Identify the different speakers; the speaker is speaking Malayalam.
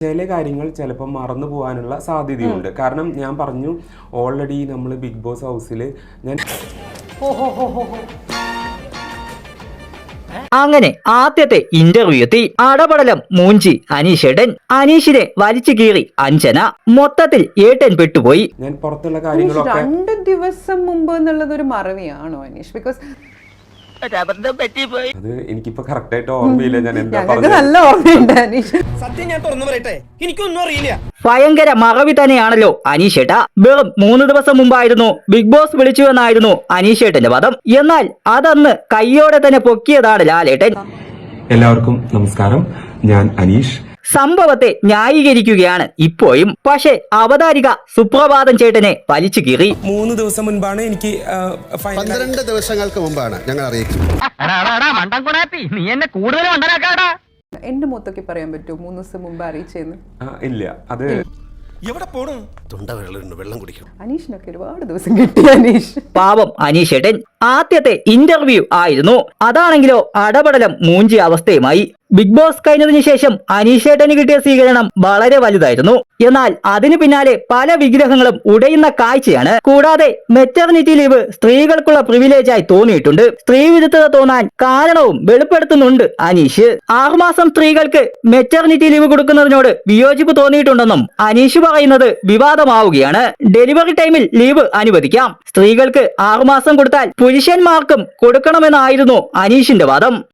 Speaker 1: ചില കാര്യങ്ങൾ ചിലപ്പോൾ മറന്നു പോകാനുള്ള സാധ്യതയുണ്ട്. കാരണം ഞാൻ പറഞ്ഞു ഓൾറെഡി നമ്മൾ ബിഗ് ബോസ് ഹൗസിൽ ഞാൻ
Speaker 2: അങ്ങനെ ആദ്യത്തെ ഇന്റർവ്യൂ എത്തി. അടപടലം മൂഞ്ചി അനീഷേട്ടൻ. അനീഷിനെ വലിച്ചു കീറി അഞ്ജന. മൊത്തത്തിൽ ഏട്ടൻ പെട്ടുപോയി.
Speaker 1: ഞാൻ പുറത്തുള്ള കാര്യങ്ങളൊക്കെ
Speaker 3: 2 ദിവസം മുമ്പ് എന്നുള്ളത് ഒരു മറവിയാണോ അനീഷ്? ബിക്കോസ്
Speaker 1: അത് എനിക്കിപ്പോ കറക്റ്റ് ആയിട്ട് ഓർമ്മയില്ല ഞാൻ എന്താ
Speaker 3: ഞങ്ങൾക്ക് നല്ല ഓർമ്മയുണ്ട് അനീഷ്.
Speaker 4: സത്യം ഞാൻ തുറന്നു പറയട്ടെ, എനിക്കൊന്നും അറിയില്ല.
Speaker 2: ഭയങ്കര മറവി തന്നെയാണല്ലോ അനീഷേട്ട. വെറും 3 ദിവസം മുമ്പായിരുന്നു ബിഗ് ബോസ് വിളിച്ചുവെന്നായിരുന്നു അനീഷേട്ടന്റെ വാദം. എന്നാൽ അതന്ന് കയ്യോടെ തന്നെ പൊക്കിയതാണ് ലാലേട്ടൻ.
Speaker 1: എല്ലാവർക്കും നമസ്കാരം, ഞാൻ അനീഷ്.
Speaker 2: സംഭവത്തെ ന്യായീകരിക്കുകയാണ് ഇപ്പോഴും. പക്ഷേ അവതാരിക സുപ്രഭാതം ചേട്ടനെ വലിച്ചു കീറി.
Speaker 4: 3 ദിവസം മുൻപാണ് എനിക്ക്
Speaker 5: 12 ദിവസങ്ങൾക്ക് മുമ്പാണ് ഞങ്ങൾ അറിയിക്കുന്നത്.
Speaker 3: എന്റെ മൊത്തൊക്കെ പറയാൻ പറ്റുമോ 3 ദിവസം മുമ്പ് അറിയിച്ചെന്ന്?
Speaker 1: ഇല്ല, അത്
Speaker 4: എവിടെ പോണു?
Speaker 5: തൊണ്ട വെള്ളം കുടിക്കണം.
Speaker 3: അനീഷിനൊക്കെ ഒരുപാട് ദിവസം കിട്ടി അനീഷ്.
Speaker 2: പാവം അനീഷേട്ടൻ. ആദ്യത്തെ ഇന്റർവ്യൂ ആയിരുന്നു. അതാണെങ്കിലോ അടപടലം മൂഞ്ചിയ അവസ്ഥയുമായി. ബിഗ് ബോസ് കഴിഞ്ഞതിന് ശേഷം അനീഷേട്ടന് കിട്ടിയ സ്വീകരണം വളരെ വലുതായിരുന്നു. എന്നാൽ അതിനു പിന്നാലെ പല വിഗ്രഹങ്ങളും ഉടയുന്ന കാഴ്ചയാണ്. കൂടാതെ മെറ്റർനിറ്റി ലീവ് സ്ത്രീകൾക്കുള്ള പ്രിവിലേജായി തോന്നിയിട്ടുണ്ട്. സ്ത്രീ വിരുദ്ധത തോന്നാൻ കാരണവും വെളിപ്പെടുത്തുന്നുണ്ട് അനീഷ്. 6 മാസം സ്ത്രീകൾക്ക് മെറ്റർനിറ്റി ലീവ് കൊടുക്കുന്നതിനോട് വിയോജിപ്പ് തോന്നിയിട്ടുണ്ടെന്നും അനീഷ് പറയുന്നത് വിവാദമാവുകയാണ്. ഡെലിവറി ടൈമിൽ ലീവ് അനുവദിക്കാം. സ്ത്രീകൾക്ക് 6 മാസം കൊടുത്താൽ പുരുഷന്മാർക്കും കൊടുക്കണമെന്നായിരുന്നു അനീഷിന്റെ വാദം.